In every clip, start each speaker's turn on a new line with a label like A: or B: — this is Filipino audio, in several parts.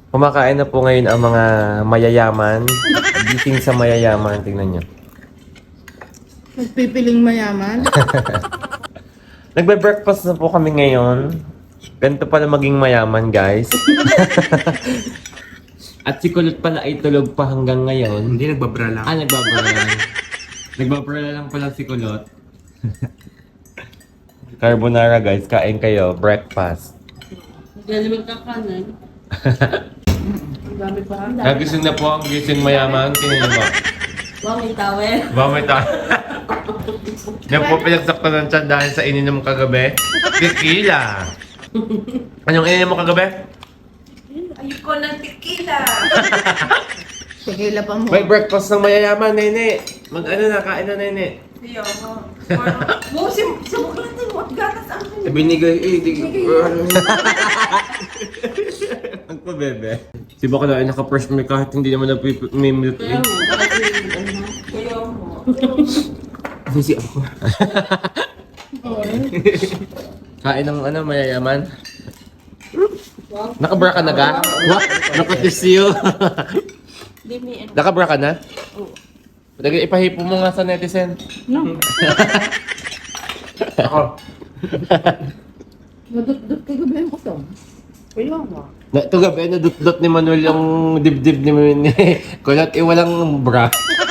A: Kumakain na po ngayon ang mga mayayaman. Gising sa mayayaman. Tingnan nyo.
B: Nagpipiling mayaman.
A: Nagbe-breakfast na po kami ngayon. Ganito pala maging mayaman, guys. At si Kulot pala ay tulog pa hanggang ngayon.
C: Hindi, nagbabra lang.
A: Nagbabara lang. Nagbabara lang pala si Kulot. Carbonara, guys. Kain kayo. Breakfast.
D: Galing magkakanan.
B: Ang dami pa.
A: Nagising na po ang gising mayaman. Tingnan nyo ba?
D: Wow, may towel.
A: Bakit tayo? Yan po pinagsaktan ng tiyan dahil sa ininom kagabi. Tequila! Anong ininom mo kagabi?
D: Ayoko ng tequila.
B: Tequila pa mo.
A: May breakfast ng mayayaman, nene. Mag-ano na, kain na, nene.
D: Ayoko. Mo, subok lang din mo. Gatas ang kanya.
C: Binigay,
A: Ang po, bebe. Si Bakla ay naka-fresh milk kahit hindi naman may milk
D: Kaya
A: eh.
D: mo, kaya mo.
C: Sisi ako.
A: Kain ng ano, mayayaman. Nakabra ka na ga? What? Nakatisyo.
D: Hindi may ano.
A: Nakabra ka na? Oo. Ipahipo mo nga sa netizen.
B: No.
C: Ako.
B: Nadut-dut kay gabi mo to. Kaya mo.
A: Ito gabi, nadut-dut ni Manuel yung dibdib ni Kulot. Walang bra.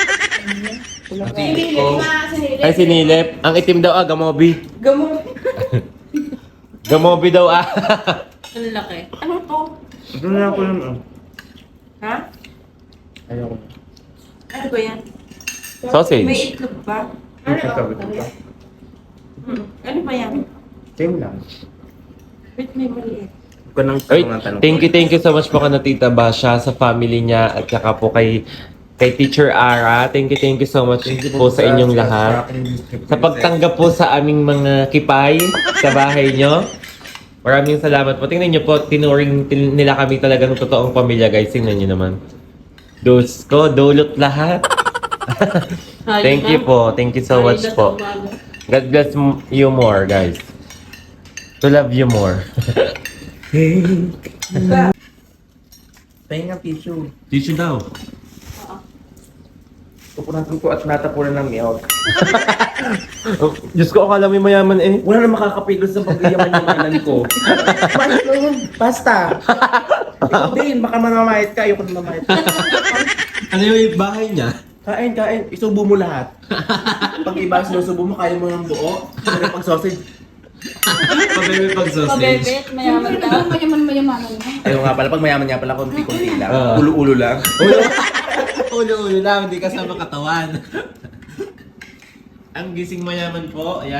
A: Ay, sinilip. Ang itim daw gamobi.
D: Gamo.
A: Gamobi daw
D: Ang laki. Ano to?
C: Ito na ako yung...
D: Ha?
C: Ayoko.
D: Ano ba yan? May
A: Sausage.
D: itlog ba?
C: Sabi ko pa.
D: Ano ba yan?
C: Same lang.
D: Wait, may maliit.
C: Huwag ka nang
A: Ay,
C: tanong.
A: thank you so much po kana Tita Basha sa family niya at saka po kay Teacher Ara. Thank you so much po sa inyong lahat. Sa pagtanggap po sa aming mga kipay sa bahay nyo. Maraming salamat po. Tingnan nyo po, tinuring nila kami talagang totoong pamilya, guys. Tingnan nyo naman. Dos ko, dulot lahat. Thank you po. Thank you so much po. God bless you more, guys. To love you more.
C: Pahinga tissue.
A: Tissue daw.
C: Pupunan ko at natapunan ng milk.
A: Oh, Diyos ko, akala mo mayaman eh.
C: Wala na makakapigil sa pagyaman-yamanan ko. Basta. Ikaw din, baka mamamayat ka. Ayoko na mamayat.
A: Ano yung bahay niya?
C: Kain. Isubo mo lahat. Pag iba sinusubo mo, kaya mo ng buo. Pero pag sausage,
A: Pabebe pag sausage.
D: Pabebet, mayaman daw.
B: Mayaman-mayamanan na.
C: ayaw nga pala, pag mayaman niya pala, konti-konti lang.
A: Ah.
C: Ulo-ulo lang.
A: Ulo-ulo lang, hindi kasama katawan. Ang gising mayaman po, ayan.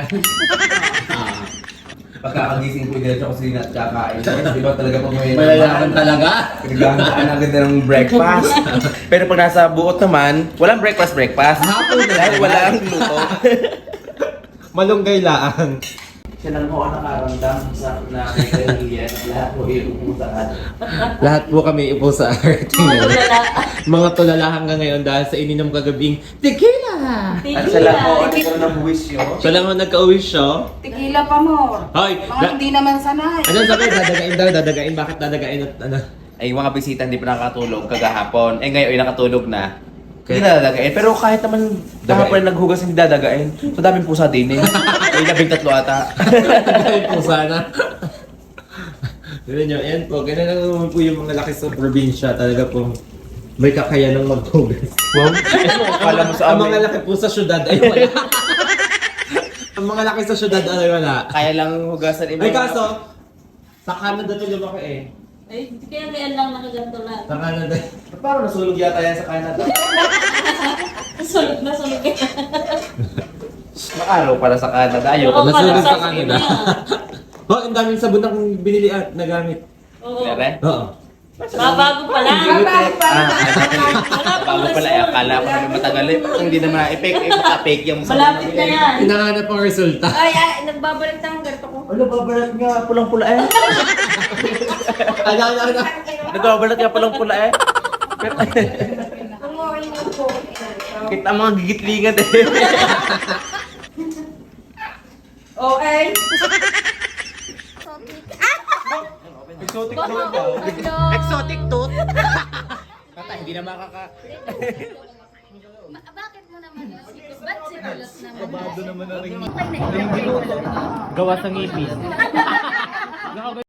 C: Pagkakagising ko, diretso ko sila at kakain. Di ba talaga pag may
A: Mayayaman talaga.
C: Pinaglahaan agad na ng breakfast. Pero pag nasa buot naman, walang breakfast.
A: Hapon na
C: Dahil
A: lang.
C: walang luto.
A: Malunggay laan.
C: Siya lang po ang nakaramdam sa na kailangan lahat po iuusahan.
A: Lahat po kami upo sa art.
D: Mga tulala.
A: Mga tulala hanggang ngayon dahil sa ininom kagabing tequila!
C: At siya lang po ang ikaw ng buwisyo.
A: Siya lang ang nagka-uwi siya.
B: Tequila pa mo.
A: Hoy!
B: Mga hindi naman sanay.
A: Ano sabi? Dadagain daw, dadagain. Bakit dadagain at ano?
C: Ay, mga bisita hindi pa nakatulog kagahapon. Eh ngayon ay nakatulog na. Hindi na dadagain. Pero kahit naman kahapon na naghugas hindi dadagain. So daming pusa din eh. Ay, 13 ata.
A: Dahil po sana. Tignan nyo, yan po. Ganun lang naman po yung mga laki sa probinsya. Talaga pong may kakayanang maghugas.
C: Wow. Kala mo sa
A: Ang mga
C: amin.
A: laki po sa syudad ay wala. Ang mga laki sa syudad ay wala.
C: Kaya lang hugasan
A: Ay kaso, sa Canada to lumaki eh.
D: Ay, kaya lang nakaganto lang.
A: Sa Canada.
C: Parang nasulog yata yan sa Canada.
D: Sulit na sulit.
C: Makaraw para sa Canada. Ayoko.
D: Oo,
A: Nasunod
D: para
A: sa
D: sa
A: Canada. Oh, ang daming sabon akong binili at nagamit.
D: Oo.
C: Mere?
A: Oo.
D: Bago pa lang.
C: Bago pala. Akala ko naman matagal eh. Hindi naman na-epic. Maka-fake yung
D: Malapit na yan.
A: Hinahanap ang resulta.
D: Ay, nagbabalik na ang ganito ko.
C: Ano, babalat nga. Pulang-pula eh.
A: Ano.
C: Nagbabalat nga pulang-pula eh. Kita mga gigitlingan eh.
D: Okay.
C: Exotic
D: Baka,
C: tooth daw.
D: ano?
A: Exotic tooth?
C: Tata, hindi na makaka...
D: Bakit mo naman yun? Ba't sigulat naman?
C: Kabado naman na rin.
D: Okay na ikaw.
A: Gawa sa ngipin.